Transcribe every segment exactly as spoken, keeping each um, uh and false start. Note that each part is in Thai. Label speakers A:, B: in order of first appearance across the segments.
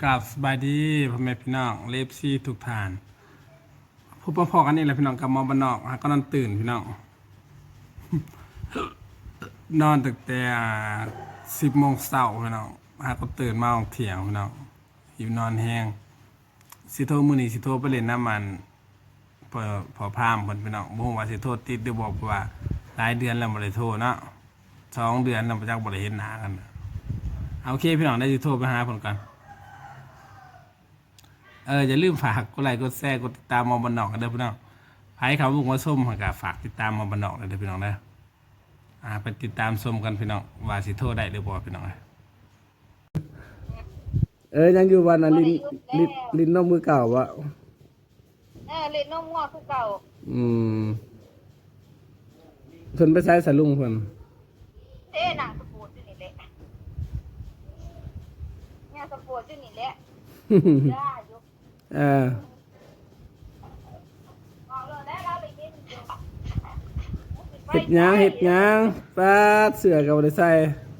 A: กราบสบายดีพ่อแม่พี่น้องเลฟซีทุกท่านพบพอกันนี่แหละพี่น้องกับมอบ้านนอกฮะก็นอนตื่นพี่น้อง นอนตั้งแต่สิบโมงเช้าพี่น้องฮะก็ตื่นมาออกเที่ยงพี่น้องหิวนอนแห้งสิโทรมื้อนี้สิโทรไปเล่นน้ำมันพอพอพามเพิ่นพี่น้องบ่ฮู้ว่าสิโทรติดหรือบ่เพราะว่าหลายเดือนแล้วบ่ได้โทรเนาะสองเดือนแล้วบ่จักบ่ได้เห็นหน้ากันโอเคพี่น้องได้สิโทรไปหาเพิ่นก่อนเอออย่าลืมฝากกดไลค์กดแชร์กดติดตามมอบันนอกกันเด้อพี่น้องใครเขาบุกมาส้มก็ฝากติดตามมอบันนอกเด้อพี่น้องเด้ออ่าไปติดตามส้มกันพี่น้องว่าสิโทรได้หรือบ่พี่น้องเออยังอยู่วันนั้นลินลินลินนมมือเก่าวะ
B: เออเล่นนมงอกคือเก่า
A: อืมเพิ่นไปใช้สลุงเพิ่น
B: เด้หนังสปูดอยู่นี่แหละเนี่ยสปูดอยู่นี่แหละได้อยู่
A: เออเห็ดยางเห็ดยางปลาเสือกับได้ใส่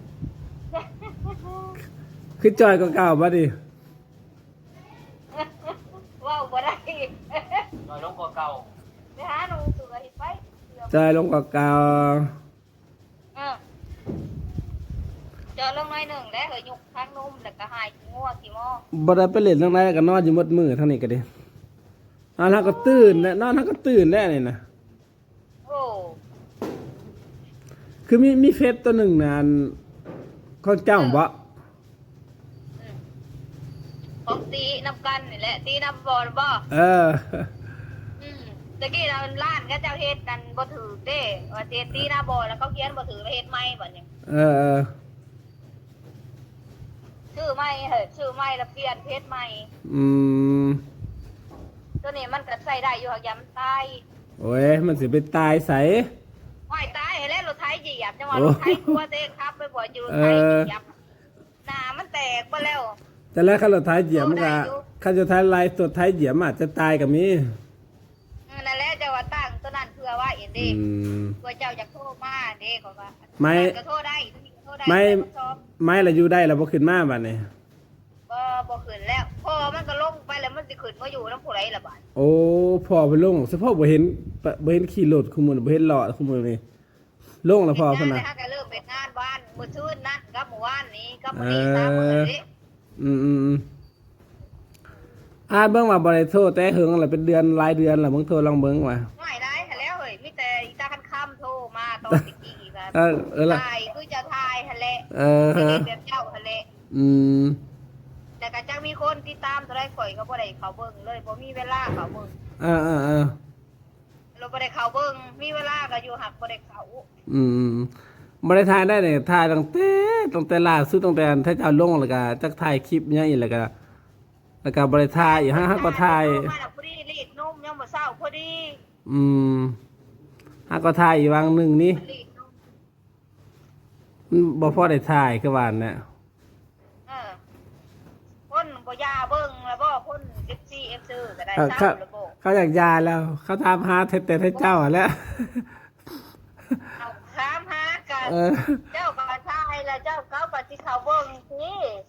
A: คือจอยก็เก่าบ่ดิ
B: ว้าวบ่ได้
C: จอยลงกว่าเก่า
B: ไปหาหนูเสือเห็ดไป
A: จอยลงกว่าเก่า
B: เออจอยลงน้อยหนึ่งแล้วเหยยุกทั้งนุ่มแล้วก็หายงัวขี้หม้อ
A: บ่ได้ไปเล่นทางไหนก็นอนอยู่หมดมื้อทางนี้ก็ดินอนเฮาก็ตื่นแล้วนอนเฮาก็ตื่นแล้วนี่นะ
B: โอ้
A: คือมีมีเฟซตัวหนึ่งนะเขาเจ้าบ่
B: ของตีน้ำกันนี่แหละตีน้ำบอลบ่
A: เออ
B: อืมตะกี้เราล้านก็เจ้าเฮ็ดกันบ่ถือเด้ว่าเฮ็ดตีหน้าบอลแล้วเขาเขียนบ่ถือเฮ็ดใหม่บ่เนี่ย
A: เออเออ
B: ชื่อใหม่เฮ้ยชื่อใหม่แล้วเปลี่ยนเพจใหม่
A: อืม
B: ตัวนี้มันก็ใส่ได้อยู่หักยำตาย
A: โอ้ยมันสิไปตายใส
B: ห้อยตายให้แล้วรถไถเหยียบจังหวะรถไถตัวเองครับไปบ่อยู่รถไถเหยียบหน้ามันแตกไปแล้ว
A: แต่แล้วคันรถไถเหยียบมันก็คันรถไถลายตัวไถเหยียบอาจจะตายก็มี
B: นั่นแหละเจ้าว่าตั้งตัวนั้นเพื่อว่าเอ็นเด้เพื่อเจ้าอยากโทรมาเด้ขอว่า
A: ไม่
B: ก็โทรได้โทรได้
A: ไม่ไม่ละอยู่ได้แล้วบ่ขึ้นมาบัดนี้
B: บ่บ่ขึ้นแล้วพอมันก็ลงไปแล้วมันสิขึ้นบ่อยู่นำผู้ใดล่ะบัด
A: โอ้พอไปลงเฉพาะบ่เห็นบ่เห็นขี่รถคุมื้อบ่เห็นล้อคุมื้อนี่ลงแล้วพอพุ่นน่ะ
B: ก็เริ่มเป็นงานบ้านมื้อชื่นนั้นกับมื้อวานนี้กับมื้อนี้สามมื้อนี้
A: อืมๆอ่าเบิ่งว่าบ่ได้โทรแต่หึงแล้วเป็นเดือนหลายเดือนแล้วมึงโทรลองเบิ่งว่า
B: ไม่ได้หั่นแล้วเฮ้ยมีแต่อีตาคันค่ำโทรมาตอนตะกี้ก็
A: เออเออล่ะ
B: ถ่ายคือจะถ่ายหั่นแหละ
A: เออฮะ
B: แบบเจ้าหั่นแหละ
A: อืม
B: แต่ก็จังมีคนติดตามเท่าใดข่อยก็บ่ได้เข้าเบิ่งเลยบ่มีเวลาเข้าเบิ่ง
A: เออๆๆ
B: เราบ่ได้เข้าเบิ่งมีเวลาก็อยู่หักบ่ได้เข้า
A: อืมบ่ได้ถ่ายได้นี่ถ่ายตั้งแต่ตั้งแต่ล่าสุดตั้งแต่ถ้าเจ้าลงแล้วก็จักถ่ายคลิปหยังอีกแล้วก็แล้วก็บ่ได้ถ่ายอีกฮะก็ถ่าย
B: มาพอดีรีดนมยังบ่เช้าพอดี
A: อืมฮะก็ถ่ายอีกวางนึงนี่บ่พอได้ถ่ายคือว่าน่ะ
B: เออคนบ่ยาเบิ่งแล้วบ่คน เอฟ ซี เอฟ ซื้อก็ได้ซ้ำแล้วบ่
A: เขาอยากยาแล้วเขาถามหาแต่แต่เจ้าแล้ว
B: เอาถามหากันเจ้าก็ถ่ายแล้วเจ้าเขาก็สิเข้าเบิ่งสิ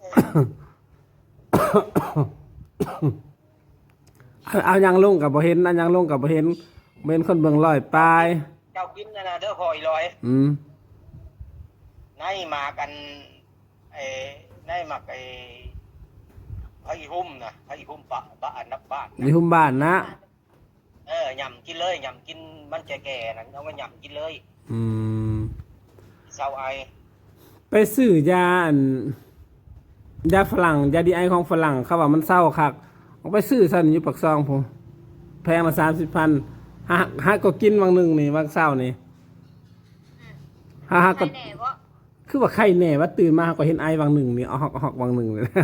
A: เอายังลงกับบ่เห็นอันยังลงกับบ่เห็นบ่เห็นคนเบิ่งร้อยปลาย
C: เจ้ากินนั่นน่ะเด้อหอยลอย
A: อืม
C: ในมากันไอ้ในมักไอ้ไผหุ่มน่ะไผหุ่มปะบ้านนับบ้าน
A: มีหุ่มบ้านนะ
C: เออยำกินเลยยำกินมันแก่ๆนั่นเอามายำกินเลย
A: อืม
C: เศร้าไอ
A: ไปซื้อยาอันยาฝรั่งยาดีไอของฝรั่งเขาว่ามันเศร้าคักเอาไปซื้อซั่นอยู่ปากซองผมแพงละสามสิบพันหาหาก็กินวังนึงนี่วังเช้านี่หาก็คือว่าไข้แน่ว่าตื่นมาก็เห็นไอวังนึงนี่เอาฮอกฮอกวังนึงเลย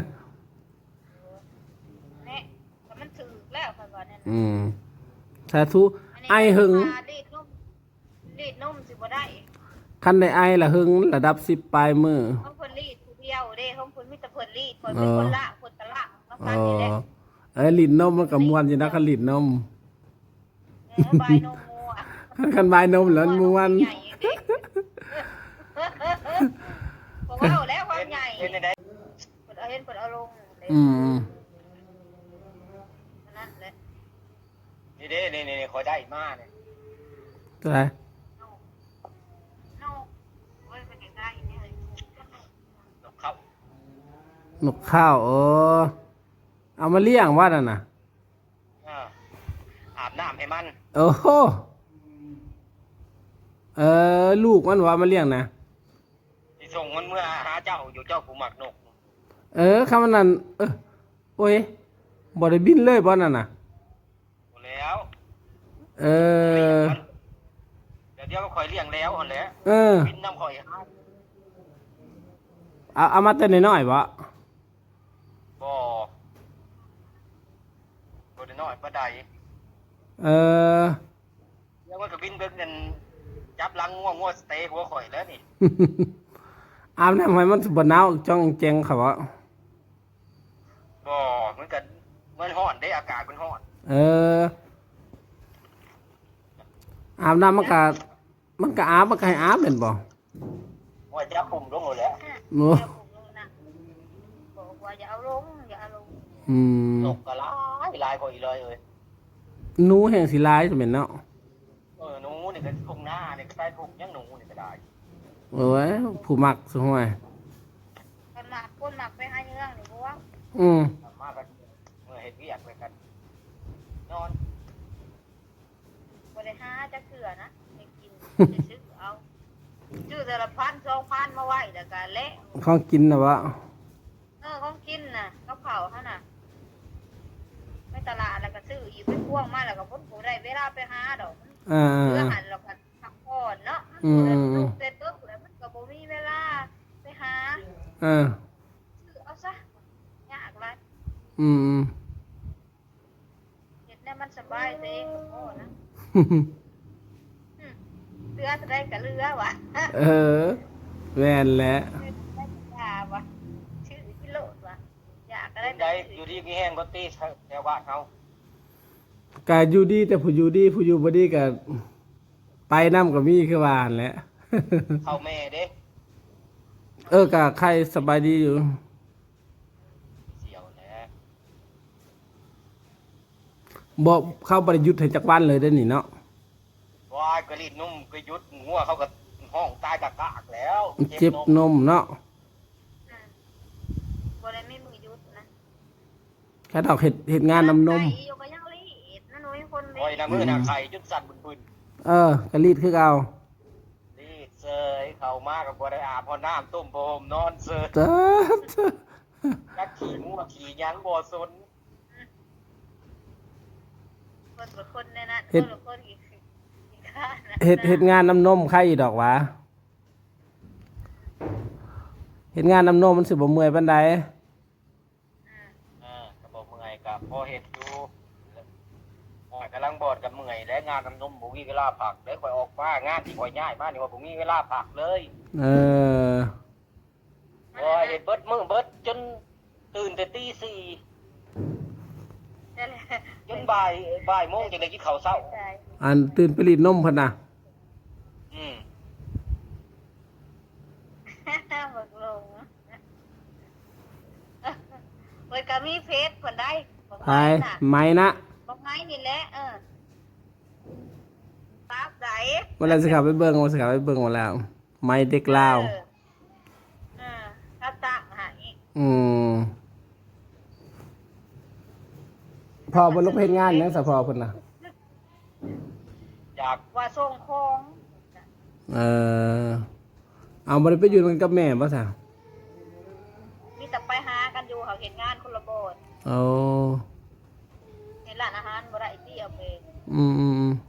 B: แน่แต่มันถึกแล้วค่อยว่านั่น
A: อืมสาธุไอหึง
B: รีดนมรีดนมสิบ่ได้
A: คันได้ไอละหึงระดับสิบปลายมือ
B: ของเพิ่นรีดผู้เดียวเด้ของเพิ่นมีแต่เพิ่นรีดเพิ่นเป็นคนละคนตะละมาฟันนี่แหละ
A: เอ้ยลิ้นนมมันก็ม่วนอยู่นะคันลิ้นนม
B: เออบายนมงัว
A: คันบายนมแล้วม่วน
B: บ่เว้าแล้วความใหญ่เพิ่นเอาเห็นเพิ่นเอาลงเด้
A: อืม
B: นั่นแหละ
C: นี่เด้นี่นี่คอยได้มาเนี่ย
A: ตัวไหน
B: โน่โน่โอ้ยไปใกล้ๆเนี่ยเลย
C: นกเข้าน
A: กข้าวเออเอามาเลี้ยงว่านั่นน่ะ
C: อ่าอาบน้ำให้มัน
A: โอ้โหเออลูกมันว่ามาเลี้ยงนะ
C: ที่ส่งมันเมื่อหาเจ้าอยู่เจ้าผู้หมักนก
A: เออคำนั้นเออโอ้ยบ่ได้บินเลยบ่นั่นน่ะ
C: หมดแล้ว
A: เออ
C: เดี๋ยวเดี๋ยวก็คอยเลี้ยงแล้วอ่อนแล้ว
A: เออ
C: บินน้ำคอยหา
A: เอาเอามาแต่น้อยๆบ่
C: บ่บ่ได้น้อยปานใด
A: เออ
C: เดี๋ยวมันก็บินเบิ่งกันจับหลังง่วงง่วงสเตย์หัวข่อยแล้วนี่
A: อาบน้ำให้มันบ่หนาวจ้องแจงเขาบ่
C: บ่มันก็มันร้อนเด้อากาศมันร้อน
A: เอออาบน้ำมันก็มันก็อาบมันก็ให้อาบเป็นบ่
C: ว่าจับปุ่มลงหมดแล้ว
A: โอ้
B: เดี๋ยวผมลงนะบอกว่าอย่าเอาลงอย่าเอาลง
A: อืม
C: นกก็หลายหลายกว่าอีกเลยเอ้ย
A: หนูแห่งสิหลายจะแม่นเนาะ
C: เออหนูนี่ก็ทุ่งหน้านี่ก็ใต้ทุ่งยังหนูนี่ก็ได้
A: โอ้ยผู้มักสห่วย
B: คนหมักคนหมักไปให้เรื่องนี่พวก
A: อืม
C: มากันเมื่อเฮ็ดเวียกไปกันนอน
B: บริหาจะเกลือนะไม่กินจะซื้อเอาซื้อแต่ละพันสองพันมาไว้แล้วก็เละ
A: ของกินน่ะบ่
B: เออของกินน่ะเขาเผาเขาน่ะไม่ตลาดแล้วก็ซื้ออยู่ไปพ่วงมาแล้วก็พ้นผูได้เวลาไปหาดอก
A: อ่า
B: เพื่อหันเราก็พักผ่อนเนาะ
A: อืม
B: ลูกเสร็จปุ๊บแล้วมันก็บ่มีเวลาไปหา
A: เออ
B: ซื้อเอาซะยากไร
A: อืม
B: เห็ดเนี่ยมันสบายตัวเองก็พอนะอืมเรือจะได้กับเรือวะ
A: เออแม่นแหละ
B: ได้กับยาวะชื่อกิโลดวะอยากก็ได้
C: ได้อยู่ดีมีแห้งบ่ตีแถวบ้านเฮา
A: ก็อยู่ดีแต่ผู้อยู่ดีผู้อยู่บ่ดีก็ไปนำก็มีคือว่าหั่นแหละ
C: เข้าแม่เด้
A: เออก็ใครสบายดีอยู่
C: เสียวแหละ
A: บ่เข้าบ่ได้หยุดให้จักวันเลยเด้อนี่เนาะ
C: วายกะลีดนุ่มก็หยุดงัวเขาก็ห้องตายกะกากแล้ว
A: เจ็บนมเนาะ
B: อืมบ่ได้ไม่มือยุดนะ
A: แค่ดอกเฮ็ดเฮ็ดงานนำนม
B: ไก่อยู่ก็ยังรีดนะหนุ่ยคน
C: โอ้ยน้ำมือน้ำไข่จุดสั่นบึน
A: เออก็รีดคือเก่า
C: ๆรีดเซยเข้ามากับบ่ได้อาบพอน้ำต้มโบมนอนเซย
A: เด้อ
C: จักขี่งัวขี่หยังบ่สน
B: คนกับคนในนั้นคนกับคนอีกอีกข้างนะ
A: เฮ็ดเฮ็ดงานนำนมใครอีดอกหวะเฮ็ดงานนำนมมันสิบ่เมื่อยปานใด
C: อ่าก็บ่เมื่อยก็พอเฮ็ดอยู่โอ้ยกำลังบอดกับเมื่อยและงานน้ำนมบ่มีเวลาพักเลยข่อยออกมางานที่ข่อยย้ายมานี่ว่าบ่มีเวลาพักเลย
A: เออ
C: โอ้ยเฮ็ดเบิดมื้อเบิดจนตื่นแต่ตีสี่
B: นั่นแหละ
C: จนบ่ายบ่ายโมงจังได้กินข้าวเช้า
B: ใช่
A: อันตื่นไปรีดนมพุ่นน่ะ
C: อืม
B: บักลงเว้ยก็มีเพจคนได้บอก
A: ไป
B: ไม้น่ะ
A: ไหมนะ
B: บอกไม้นี่แหละเออตาบไหน
A: เวลาสิเขับไปเบิ่งว่าสิเขับไปเบิ่งมาแล้ว ไหมเด็กลาว
B: เออเออถ้าตั้งใหาย
A: อืมพอบ่ลงไปเฮ็ดงานหยังซะพอเพิ่นน่ะ
C: จาก
B: ว่าส่งของ
A: เออเอาบ่ได้ไปอยู่กันกับแม่บ่ซะ
B: มีแต่ไปหากันอยู่เขาเห็นงานคนละโบน
A: เอา
B: เห็นร้านอาหารบ่ได้ที่เอาไป
A: อืมอืมอืม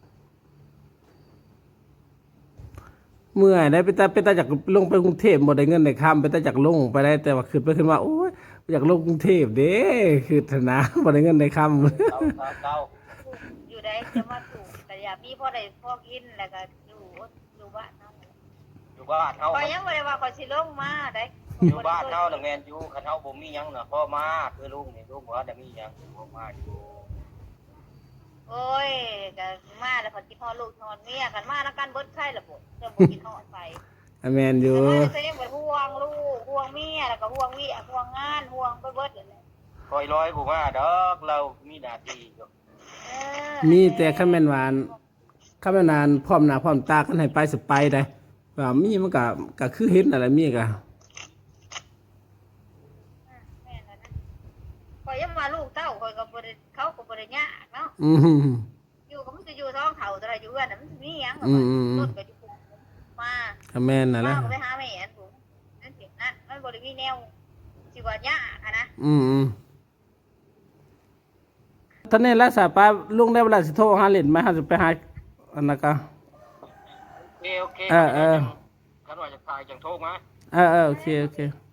A: เมื่อยได้ไปแต่ไปแต่จากลงไปกรุงเทพบ่ได้เงินได้ค้ำไปแต่จากลงไปได้แต่ว่าขึ้นไปขึ้นมาโอ้ยอยากลงกรุงเทพเด้คือธนาบ่ได้เงินได้ค้ำ
C: เก้าเก้าเก้า
B: อยู่ได้จะมาถูกแต่อย่ามีพ่อได้พ่อกินแล้วก็อยู่อยู่บ้านเนาะ
C: อยู่บ้านเฮา
B: ก็ยังบ่ได้ว่าก็สิลงมาได้
C: อยู่บ้านเฮาน่ะแม่นอยู่คันเฮาบ่มีหยังน่ะพ่อมาคือลุงนี่ลุงบ่ได้มีหยังพ่อมาอยู่
B: โอ้ยก็มาแล้วพอกินฮอดลูกนอนเมียกันมาแล้วกันเบิดไข่ละบ่จะบ่กินฮอดไป
A: อะแม่นอยู่
B: แต่ว่าตัวเองบ่ห่วงลูกห่วงเมียแล้วก็ห่วงเวียห่วงงานห่วงไปเบิดนั่นแหละ
C: คอยร้อยผมว่าดอกเรามีหน้าที่อยู่
B: เออ
A: มีแต่คันแม่นหวานคันแม่นนานพร้อมหน้าพร้อมตากันให้ไปสิไปได้ว่ามีมันก็ก็คือเห็นนั่นแหละมีก็
B: แม่นแล้วนะข่อยยังว่าลูกเต้าข่อยก็บ่ได้เขาก็บ่ได้ยากเนาะ
A: อืม
B: อยู่ก็มันจะอยู่ท้องเฒ่าแต่ละอยู่กันน่ะมันสิมีหยัง
A: อืมอืม
B: ต้นก็อยู่มา
A: ก็แม่นนั่นแห
B: มา
A: ละ
B: ก็ไปหาแม่อันผมนั่นสินะมันบ่ได้มีแนวสิว่ายากอะนะ
A: อืมอืมตอนนี้รักษาป้าลุงได้เวลาสิโทรหาเล่นไหมเฮาสิไปหาอันนั้นก็
C: โอเคโอเค
A: เออเออ
C: ขันว่าจะตายจังโทษมา
A: เออเออโอเคโอเค